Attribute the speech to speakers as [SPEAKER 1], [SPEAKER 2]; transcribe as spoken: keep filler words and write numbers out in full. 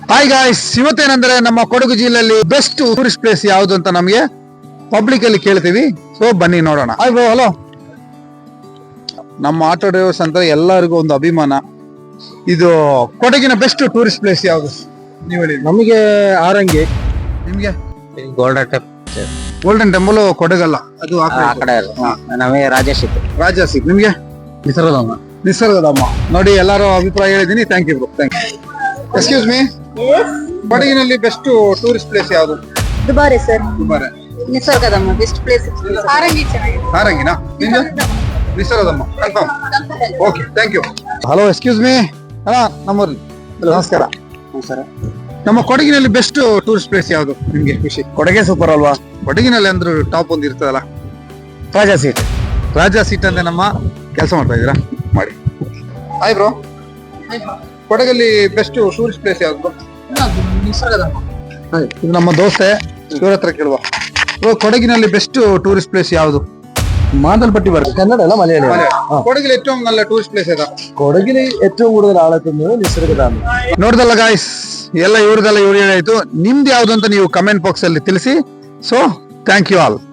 [SPEAKER 1] Hi guys, ಇವತ್ತೇನಂದ್ರೆ ನಮ್ಮ ಕೊಡಗು ಜಿಲ್ಲೆಯಲ್ಲಿ best tourist place ಯಾವುದು ಅಂತ ನಮಗೆ ಪಬ್ಲಿಕ್ ಅಲ್ಲಿ ಕೇಳ್ತೀವಿ. ಸೊ ಬನ್ನಿ ನೋಡೋಣ. Hi bro, hello. ನಮ್ಮ ಆಟೋ ಡ್ರೈವರ್ಸ್ ಅಂತ ಎಲ್ಲರಿಗೂ ಒಂದು ಅಭಿಮಾನ. ಇದು ಕೊಡಗಿನ ಬೆಸ್ಟ್ ಟೂರಿಸ್ಟ್ ಪ್ಲೇಸ್ ಯಾವುದು ನೀವು ಹೇಳಿ?
[SPEAKER 2] ನಮಗೆ ಆರಂಗಿ,
[SPEAKER 1] ನಿಮ್ಗೆ
[SPEAKER 2] ಗೋಲ್ಡನ್ ಟೆಂಪಲ್
[SPEAKER 1] ಗೋಲ್ಡನ್ ಟೆಂಪಲ್ ಕೊಡಗಲ್ಲ, ಅದು ಆ
[SPEAKER 2] ಆ
[SPEAKER 1] ಕಡೆ.
[SPEAKER 2] ಕಡೆ ನಮಗೆ ರಾಜೇಶ್ ಇತ್ತು.
[SPEAKER 1] ರಾಜಾಸಿ. ನಿಮ್ಗೆ
[SPEAKER 2] ನಿಸರ್ಗಧಾಮ.
[SPEAKER 1] ನಿಸರ್ಗಧಾಮ. ನೋಡಿ, ಎಲ್ಲರೂ ಅಭಿಪ್ರಾಯ ಹೇಳಿದೀನಿ. Thank you bro, thank you. Excuse me, ಕೊಡಗಿನಲ್ಲಿ ಬೆಸ್ಟ್ ಟೂರಿಸ್ಟ್ ಪ್ಲೇಸ್ ಯಾವುದು?
[SPEAKER 3] Dubare sir.
[SPEAKER 1] Dubare.
[SPEAKER 3] Nisargadhama best place. Harangi ಚೆನ್ನಾಗಿದೆ.
[SPEAKER 1] ಹಾರಂಗಿನಾ? ನಿಮ್ಗೆ Nisargadhama confirm. Okay, thank you. Hello, excuse me. ಅಣ್ಣ, ನಮ್ಮೂರಲ್ಲಿ ನಮಸ್ಕಾರ.
[SPEAKER 2] ಸರ್,
[SPEAKER 1] ನಮ್ಮ ಕೊಡಗಿನಲ್ಲಿ ಬೆಸ್ಟ್ ಟೂರಿಸ್ಟ್ ಪ್ಲೇಸ್ ಯಾವುದು ನಿಮ್ಗೆ ಖುಷಿ?
[SPEAKER 2] ಕೊಡಗೆ ಸೂಪರ್ ಅಲ್ವಾ?
[SPEAKER 1] ಕೊಡಗಿನಲ್ಲಿ ಅಂದ್ರೂ ಟಾಪ್ ಒಂದು ಇರ್ತದಲ್ಲ,
[SPEAKER 2] ರಾಜಾ ಸೀಟ್.
[SPEAKER 1] ರಾಜಾ ಸೀಟ್ ಅಂತ ನಮ್ಮ ಕೆಲಸ ಮಾಡ್ತಾ ಇದ್ದೀರಾ? ಮಾಡಿ. ಹಾಯ್ ಬ್ರೋ, ಕೊಡಗಲ್ಲಿ ಬೆಸ್ಟ್ ಟೂರಿಸ್ಟ್ ಪ್ಲೇಸ್ ಯಾವುದು?
[SPEAKER 3] ನಿಸರ್ಗಧಾಮ.
[SPEAKER 1] ಇದು ನಮ್ಮ ದೋಸ್ತೆ, ಇವ್ರ ಹತ್ರ ಕೇಳುವ. ಬ್ರೋ, ಕೊಡಗಿನಲ್ಲಿ ಬೆಸ್ಟ್ ಟೂರಿಸ್ಟ್ ಪ್ಲೇಸ್ ಯಾವುದು?
[SPEAKER 2] മാന്തൽപ്പട്ടി പറയും. കന്നഡ അല്ല മലയാളം.
[SPEAKER 1] ಕೊಡಗಿൽ ഏറ്റവും നല്ല ടൂറിസ്റ്റ് പ്ലേസ് ഏതാ?
[SPEAKER 2] കൊടകിൽ ഏറ്റവും കൂടുതൽ ആളെത്തുന്നത് നിസർഗധാಮ.
[SPEAKER 1] ನೋಡ್ದಲ್ಲ ಗಾಯ್ಸ್, ಎಲ್ಲ ಇವ್ರದೆಲ್ಲ ಇವ್ರು ಹೇಳಾಯ್ತು. ನಿಮ್ದು ಯಾವ್ದು ಅಂತ ನೀವು ಕಮೆಂಟ್ ಬಾಕ್ಸ್ ಅಲ್ಲಿ ತಿಳಿಸಿ. So thank you all.